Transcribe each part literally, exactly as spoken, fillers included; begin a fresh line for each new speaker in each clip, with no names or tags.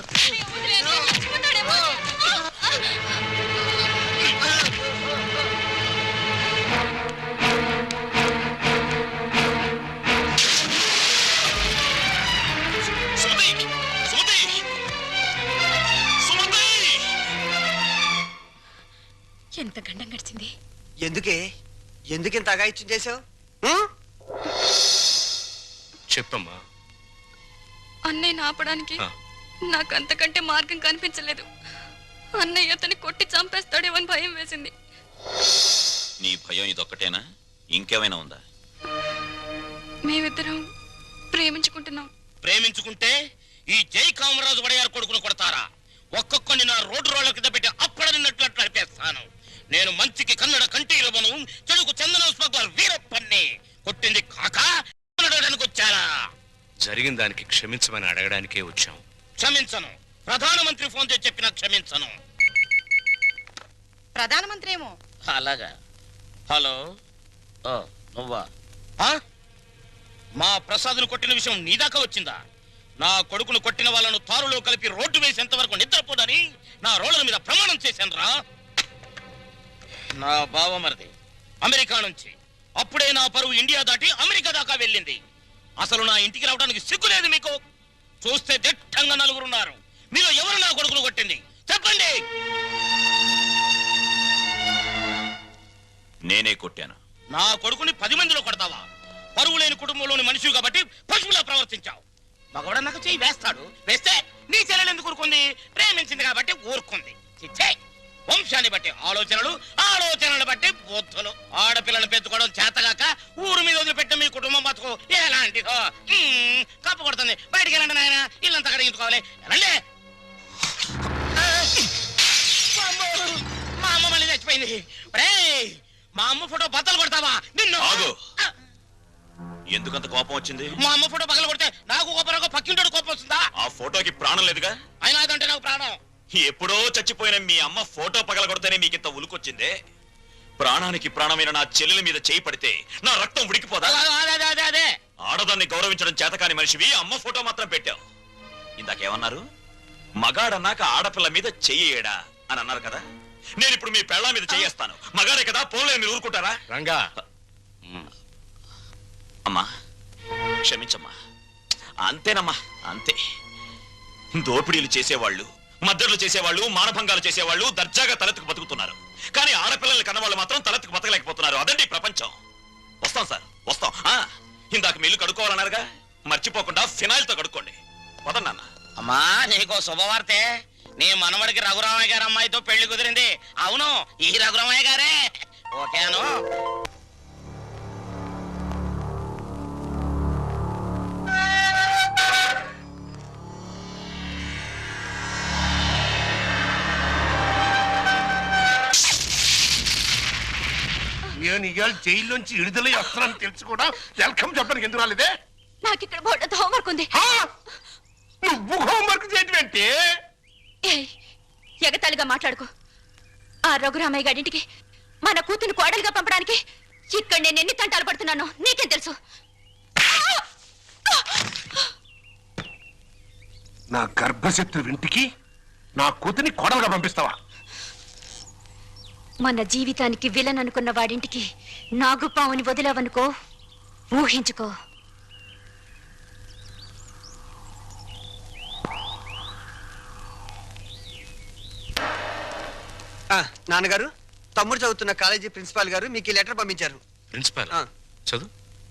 ఎంత గండం గడిచింది.
ఎందుకే ఎందుకింత అగాయిత్యం చేసావు?
చెప్పమ్మా.
అన్నయ్యని ఆపడానికి నాకు అంతకంటే మార్గం కనిపించలేదు. అన్నయ్య అతన్ని కొట్టి చంపేస్తాడేమని భయం వేసింది.
నీ భయం ఇదొక్కటేనా? ఇంకేమైనా ఉందా?
మేమిద్దరం ప్రేమించుకుంటున్నాం.
ప్రేమించుకుంటే ఈ జై కామరాజు వడయారు కొడుకును కొడతారా? ఒక్కొక్కని నా రోడ్డు రోడ్ల కింద పెట్టి అప్పడనిన్నట్లు నడిపేస్తాను. నేను మంచికి కన్నడ కంఠీరవను, చెడుకు చందనం స్మగ్లర్ వీరప్పన్ని. కొట్టింది కాక అడగడానికి వచ్చారా?
జరిగిన దానికి క్షమించమని అడగడానికే వచ్చాం.
క్షమించను. ప్రధానమంత్రి ఫోన్ చేసి చెప్పినా క్షమించను.
ప్రధానమంత్రి ఏమో.
అలాగా. హలో, నువ్వా? మా ప్రసాద్ను కొట్టిన విషయం నీ దాకా వచ్చిందా? నా కొడుకును కొట్టిన వాళ్ళను తారులో కలిపి రోడ్డు వేసేంత వరకు నిద్రపోదని నా రోడ్ల మీద ప్రమాణం చేశాను రా. నా బావమరిది అమెరికా నుంచి అప్పుడే నా పరువు ఇండియా దాటి అమెరికా దాకా వెళ్ళింది. అసలు నా ఇంటికి రావడానికి సిగ్గులేదు మీకు? చూస్తే దిట్టంగా నలుగురున్నారు. మీరు ఎవరు నా కొడుకును కొట్టింది చెప్పండి.
నేనే కొట్టాను.
నా కొడుకుని పది మందిలో కొడతావా? పరువు లేని కుటుంబంలోని మనిషి కాబట్టి పశువులా ప్రవర్తించావు. మగవాడు నాకు చెయ్యి వేస్తాడు. వేస్తే నీ చెల్లెలు ఎందుకు ఊరుకుంది? ప్రేమించింది కాబట్టి ఊరుకుంది. చిచ్చే, వంశాన్ని బట్టి ఆలోచనలు, ఆలోచనలు బట్టి బుద్ధులు. ఆడపిల్లను పెంచుకోవడం చేతగాక ఊరు మీద వదిలిపెట్టిన మీ కుటుంబం బతుకు ఎలాంటిదో. కప్పు కొడుతుంది. బయటికి వెళ్ళండి నాయన, ఇల్లంతా కడిగించుకోవాలి. వెళ్ళండి. మా అమ్మ మళ్ళీ చచ్చిపోయింది. మా అమ్మ ఫోటో బద్దలు కొడతావా? నిన్ను
ఎందుకంత కోపం వచ్చింది?
మా అమ్మ ఫోటో పగల కొడితే నాకు కోపం, పక్కింటోడు కోపం వస్తుందా?
ఆ ఫోటోకి ప్రాణం లేదుగా.
అయినా అదంటే నాకు ప్రాణం.
ఎప్పుడో చచ్చిపోయిన మీ అమ్మ ఫోటో పగల కొడితేనే మీకింత ఉలుకొచ్చిందే. ప్రాణానికి ప్రాణమైన నా చెల్లెల మీద చేయి పడితే నా రక్తం ఉడికిపోదా?
అదే
ఆడదాన్ని గౌరవించడం చేతకాని మనిషివి అమ్మ ఫోటో మాత్రం పెట్టావు. ఇందాకేమన్నారు? మగాడన్నాక ఆడపిల్ల మీద చెయ్యేడా అని అన్నారు కదా. నేను ఇప్పుడు మీ పెళ్ళ మీద చెయ్యేస్తాను. మగాడే కదా, పోలే మీరు ఊరుకుంటారా?
రంగా,
అమ్మా క్షమించమ్మా. అంతేనమ్మా, అంతే. దోపిడీలు చేసేవాళ్ళు, మద్దతులు చేసేవాళ్ళు, మానభంగాలు చేసేవాళ్ళు దర్జాగా తలెత్తుకు బతుకుతున్నారు. కానీ ఆడపిల్లల్ని కన్నవాళ్ళు మాత్రం తలెత్తుకు బతకలేకపోతున్నారు. అదండి ప్రపంచం. వస్తాం సార్, వస్తాం. ఇందాక మీ ఇల్లు కడుక్కోవాలన్నారుగా, మర్చిపోకుండా ఫినాయిల్ తో కడుక్కోండి. వదన్నా.
అమ్మా, నీకో శుభవార్తే. నీ మనవడికి రఘురామయ్య గారి అమ్మాయితో పెళ్లి కుదిరింది. అవును, ఈ రఘురామయ్య గారే. ఓకేను.
నేను ఇవాళ జైల్లోంచి విడుదలై వస్తున్నాను తెలుసు కూడా వెల్కమ్ చెప్పడానికి ఎందుకు రాలేదే?
నాకు ఇక్కడ బోర్డు హోంవర్క్ ఉంది.
నువ్వు హోంవర్క్ చేయటం ఏంటి?
ఎగతాళిగా మాట్లాడుకో. ఆ రఘురామయ్య గారింటికి మన కూతురు కోడలుగా పంపడానికి ఇక్కడ నేను ఎన్ని తంటాలు పడుతున్నానో నీకేం తెలుసు?
నా గర్భశత్రు ఇంటికి నా కూతుని కోడలుగా పంపిస్తావా?
మన జీవితానికి విలన్ అనుకున్న వాడింటికి నాగుపావుని వదిలావనుకో, ఊహించుకో.
నాన్నగారు, తమ్ముడు చదువుతున్న కాలేజీ ప్రిన్సిపాల్ గారు మీకు ఈ లెటర్ పంపించారు.
ప్రిన్సిపాల్ చదువు.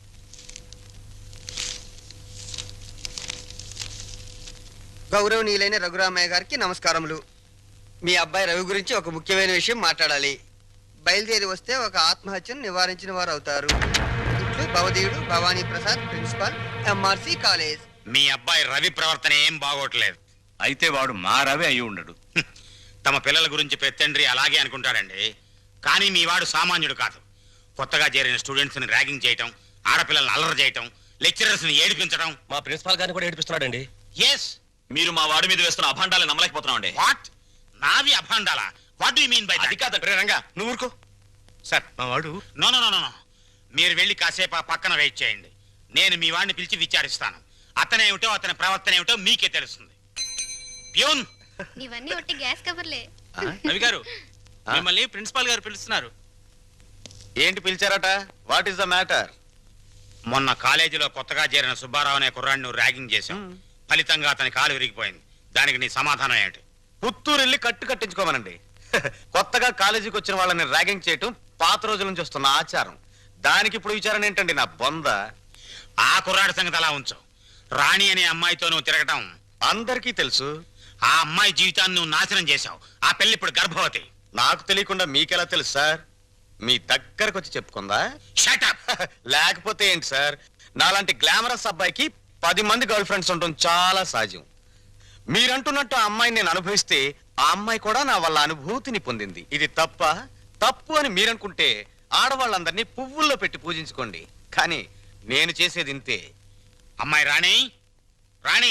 గౌరవనీయులైన రఘురామయ్య గారికి నమస్కారములు. మీ అబ్బాయి రవి గురించి ఒక ముఖ్యమైన విషయం మాట్లాడాలి. బయలుదేరి వస్తే ఒక ఆత్మహత్యను నివారించిన వారు అవుతారు. ఇట్లు భవదీయుడు Bhavani Prasad, principal, MRC college.
మీ అబ్బాయి రవి ప్రవర్తన ఏం బాగోట్లేదు.
అయితే వాడు మా రవి అయి ఉండడు.
తమ పిల్లల గురించి పెత్తండ్రి అలాగే అనుకుంటాడండి. కానీ మీ వాడు సామాన్యుడు కాదు. కొత్తగా చేరిన స్టూడెంట్స్ ని ర్యాగింగ్ చేయటం, ఆడపిల్లల్ని అల్లరి చేయటం, లెక్చరర్స్ ని ఏడిపించడం.
మా ప్రిన్సిపాల్ గారిని కూడా ఏడిపిస్తున్నాడండి.
ఎస్,
మీరు మా వాడి మీద వేస్తున్న అభాండాలు నమ్మలేకపోతున్నాం అండి.
వాట్? నావి అభాండాలా? What do you mean by that?
అది కాదండి.
రంగా నువ్వు ఊరుకో. సార్, మా వాడు.
నో నో నో నో మీరు వెళ్ళి కాసేపు ఆ పక్కన వెయిట్ చేయండి. నేను మీ వాడిని పిలిచి విచారిస్తాను. అతనేమిటో అతని ప్రవర్తన ఏమిటో మీకే తెలుస్తుంది. ప్యూన్
ఇవన్నీ ఒట్టి గ్యాస్ కవర్లే.
రవి గారు మిమ్మల్ని ప్రిన్సిపాల్ గారు పిలుస్తున్నారు.
ఏంటి పిలిచారట? What is the matter?
మొన్న కాలేజీలో కొత్తగా చేరిన సుబ్బారావు అనే కుర్రాడిని నువ్వు ర్యాగింగ్ చేశావు. ఫలితంగా అతని కాలు విరిగిపోయింది. దానికి నీ సమాధానం ఏంటి?
పుత్తూరు వెళ్ళి కట్టు కట్టించుకోమనండి. కొత్తగా కాలేజీకి వచ్చిన వాళ్ళని ర్యాగింగ్ చేయటం పాత రోజుల నుంచి వస్తున్న ఆచారం. దానికి ఇప్పుడు విచారణ ఏంటండి నా బొంద?
ఆ కుర్రాడి సంగతి అలా ఉంచు. రాణి అనే అమ్మాయితో నువ్వు తిరగటం
అందరికీ తెలుసు.
ఆ అమ్మాయి జీవితాన్ని నువ్వు నాశనం చేశావు. ఆ పెళ్లి ఇప్పుడు గర్భవతి.
నాకు తెలియకుండా మీకెలా తెలుసు సార్? మీ దగ్గరకు వచ్చి చెప్పుకుందా?
Shut up!
లేకపోతే ఏంటి సార్? నాలాంటి గ్లామరస్ అబ్బాయికి పది మంది గర్ల్ ఫ్రెండ్స్ ఉండటం చాలా సహజం. మీరంటున్నట్టు ఆ అమ్మాయిని నేను అనుభవిస్తే ఆ అమ్మాయి కూడా నా వల్ల అనుభూతిని పొందింది. ఇది తప్ప? తప్పు అని మీరనుకుంటే ఆడవాళ్ళందరినీ పువ్వుల్లో పెట్టి పూజించుకోండి. కానీ నేను చేసేది ఇంతే.
అమ్మాయి రాణి, రాణి,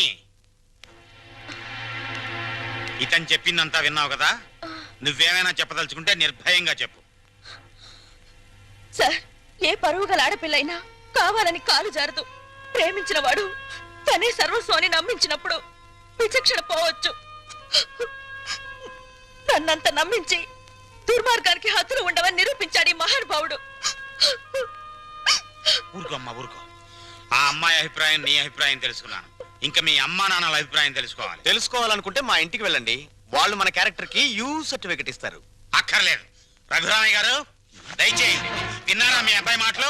ఇతను చెప్పిందంతా విన్నావు కదా? నువ్వేమైనా చెప్పదలుచుకుంటే నిర్భయంగా చెప్పు.
సార్, ఏ పరువు గల ఆడపిల్లైనా కావాలని కాలు జారదు. ప్రేమించిన వాడు తనే సర్వస్వాన్ని నమ్మించినప్పుడు విచక్షణ పోవచ్చు. నన్నంత నమ్మించి దుర్మార్గానికి హద్దులు ఉండవని నిరూపించాడు ఈ మహానుభావుడు.
ఊరుకోమ్మా, ఊరుకో. ఆ అమ్మాయి అభిప్రాయం నీ అభిప్రాయం తెలుసుకున్నాను. ఇంకా మీ అమ్మా నాన్నల అభిప్రాయం తెలుసుకోవాలి.
తెలుసుకోవాలనుకుంటే మా ఇంటికి వెళ్ళండి. వాళ్ళు మన క్యారెక్టర్ కి యూ సర్టిఫికెట్ ఇస్తారు.
అక్కర్లేదు. రఘురామయ్య గారు దయచేయండి. విన్నారా మీ అబ్బాయి మాటలు?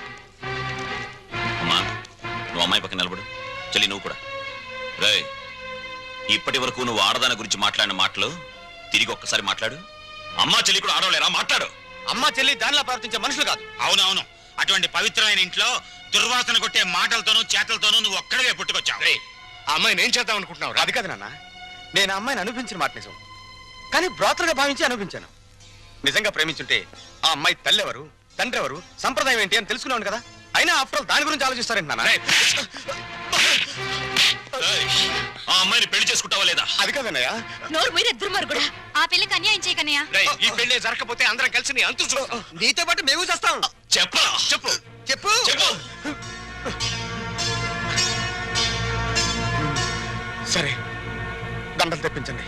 అమ్మా, నువ్వు అమ్మాయి పక్కన నిలబడు. చెల్లి నువ్వు కూడా. రే, ఇప్పటి వరకు నువ్వు ఆడదాని గురించి మాట్లాడిన మాటలు తిరిగి ఒక్కసారి మాట్లాడు. అమ్మా చెల్లి కూడా ఆడవలేరా? మాట్లాడు. అమ్మా చెల్లి దానిలా ప్రవర్తించే మనుషులు కాదు.
అవునవును. అటువంటి పవిత్రమైన ఇంట్లో దుర్వాసన కొట్టే మాటలతోనూ చేతలతోనూ నువ్వు ఒక్కడే పుట్టుకొచ్చావు.
ఆ అమ్మాయిని ఏం చేద్దాం అనుకుంటున్నావు?
అది కాదు నాన్న, నేను ఆ అమ్మాయిని అనిపించిన మాట నిజం. కానీ బ్రాతలుగా భావించి అనిపించాను. నిజంగా ప్రేమించుంటే ఆ అమ్మాయి తల్లి ఎవరు, తండ్రి ఎవరు, సంప్రదాయం ఏంటి అని తెలుసుకున్నాను కదా. అయినా ఆఫ్టర్ ఆల్ దాని గురించి ఆలోచిస్తారేంటి నాన్న? ఆ అమ్మాయిని పెళ్లి చేసుకుంటావా లేదా? అది కాదన్నయ్య.
నోరు మీరే దుర్మార్గుడా.
ఆ పిల్లకి అన్యాయం చేయకన్నయ్య.
ఈ పెళ్లి జరగకపోతే అందరం కలిసి నీ అంతు చూస్తాం.
నీతో పాటు మేము చేస్తాం.
చెప్పరా? చెప్పు
చెప్పు
చెప్పు.
సరే, దండలు తెప్పించండి.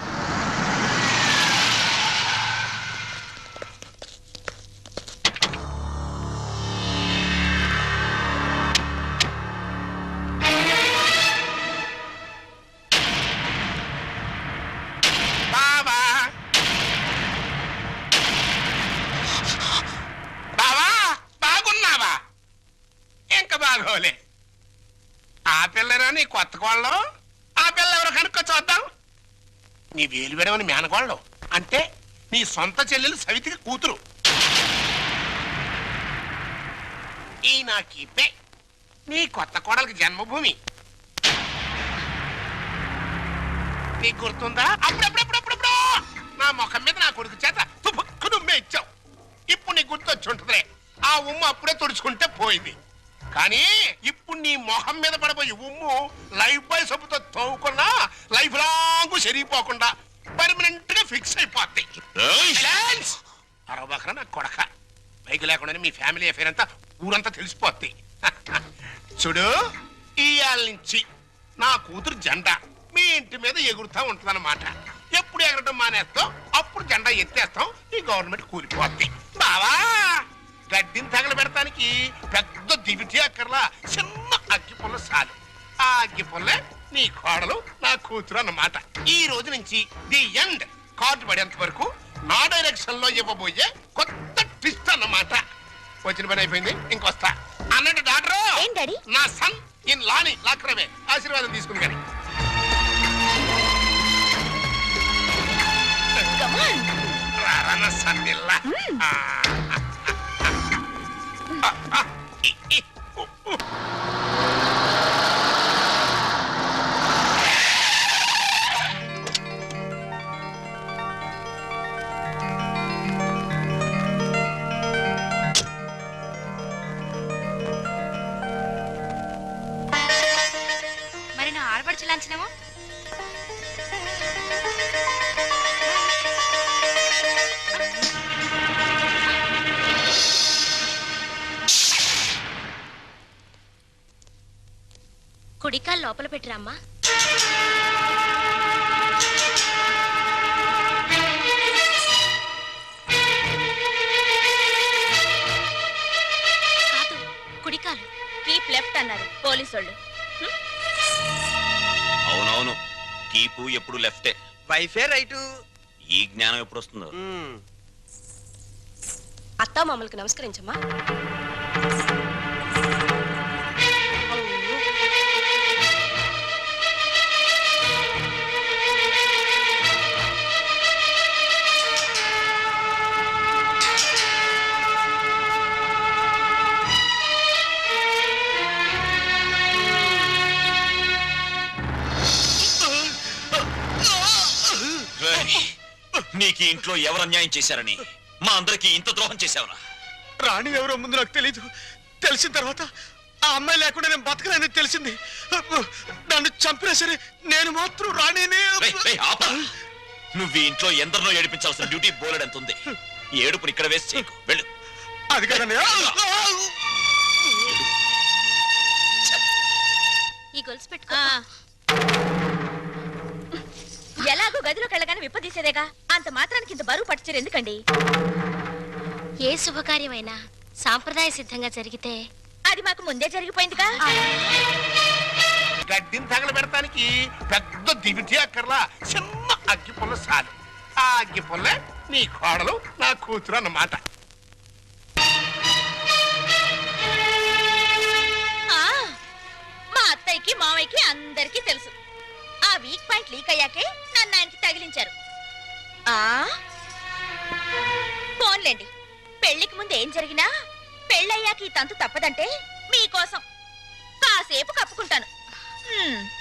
బావా బావా బాగున్నావా? ఇంకా బాగోలే. ఆ పిల్లరా నీ కొత్త కోళ్ళు? ఆ పిల్ల ఎవరు కనుక్కో చూద్దాం. నీ వేలు విడవని మేనగోళ్ళు అంటే నీ సొంత చెల్లెలు సవితికి కూతురు. ఈ నా కీపే నీ కొత్త కోడలికి జన్మభూమి. నీకు గుర్తుందా? అప్పుడప్పుడప్పుడప్పుడు నా ముఖం మీద నా కొడుకు చేత తుపుక్కు నుమ్మే ఇచ్చావు. ఇప్పుడు నీ గుర్తొచ్చి ఉంటుందిలే. ఆ ఉమ్ము అప్పుడే తుడుచుకుంటే పోయింది. కానీ ఇప్పుడు నీ మొహం మీద పడబోయే ఉమ్ము లైఫ్ బాయ్ సబ్బుతో తోవుకున్నా లైఫ్ లాంగ్ సరిగిపోకుండా పర్మనెంట్ గా ఫిక్స్ అయిపోద్ది. అరవబకరా నా కొడక. బైక్ లేకుండానే మీ ఫ్యామిలీ అఫేర్ అంతా ఊరంతా తెలిసిపోద్ది. చూడు, ఇయాల నుంచి నా కూతురు జెండా మీ ఇంటి మీద ఎగురుతా ఉంటుందన్నమాట. ఎప్పుడు ఎగరటం మానేస్తాం అప్పుడు జెండా ఎత్తేస్తాం. ఈ గవర్నమెంట్ కూలిపోద్ది. బావా, గడ్డిని తగల పెడతానికి పెద్ద దివిటి అక్కర్లా, చిన్న అగ్గి పుల్ల చాలు. ఆ అగ్గి పుల్లే నీ కోడలు నా కూతురు అన్నమాట. ఈ రోజు నుంచి ది ఎండ్. కార్డు పడేంత వరకు నా డైరెక్షన్ లో ఇవ్వబోయే కొత్త ట్విస్ట్ అన్నమాట. వచ్చిన పని అయిపోయింది, ఇంకొస్తా అన్నట్టు డాక్టర్. నా సన్ ఇన్ లాని లాక్రమే ఆశీర్వాదం తీసుకుని కానీ రారన్న సన్నిల్లా.
మరి నా ఆడపడుచు లాంఛనమో? కుడికాలు లోపల పెట్టిరామ్మా.
వాళ్ళు
అవునవును, కీపు ఎప్పుడు లెఫ్టే.
వైఫే రైటు.
ఈ జ్ఞానం ఎప్పుడు వస్తుందో.
మ్మ్.
అత్తా మామూలుకి నమస్కరించమ్మా.
రేయ్, నీకు ఈ ఇంట్లో ఎవరు అన్యాయం చేశారని మా అందరికి ఇంత ద్రోహం చేశావురా?
రాణి ఎవరో ముందు నాకు తెలీదు. తెలిసిన తర్వాత ఆ అమ్మాయి లేకుండా నేను బతకలేని తెలిసింది. నన్ను చంపినా సరే నేను మాత్రం రాణినే.
రేయ్, రేయ్, ఆపరా. నువ్వు ఈ ఇంట్లో ఎందరినో ఏడిపించాల్సిన డ్యూటీ బోలెడంత ఉంది. ఈ ఏడుపుని ఇక్కడ వేసి చేయకు. వెళ్ళు.
అది కదన్నయ్య.
ఈ గొలుసు పెట్టుకో.
ఎలాగో గదిలోకి వెళ్ళగానే విప్పదీసేదేగా, అంత మాత్రానికి ఇంత బరువు పట్టుచీర ఎందుకండి?
ఏ శుభకార్యమైనా సాంప్రదాయ సిద్ధంగా జరిగితే
అది మాకు ముందే జరిగిపోయిందిగా.
గడ్డిని తగలబెడటానికి పెద్ద దివిటి అక్కర్లా, చిన్న అగ్గి పుల్ల సాలు. ఆ అగ్గి పుల్లే నీ కోడలు నా కూతురు అన్నమాట.
ఆ, మా అత్తయ్యకి మావయ్యకి అందరికీ తెలుసు. ఆ వీక్ పాయింట్ లీక్ అయ్యాకే నన్ను ఆయనకి తగిలించారు. ఆ ఫోన్లేండి, పెళ్లికి ముందు ఏం జరిగినా పెళ్ళయ్యాక ఈ తంతు తప్పదంటే మీకోసం కాసేపు కప్పుకుంటాను. హ్మ్.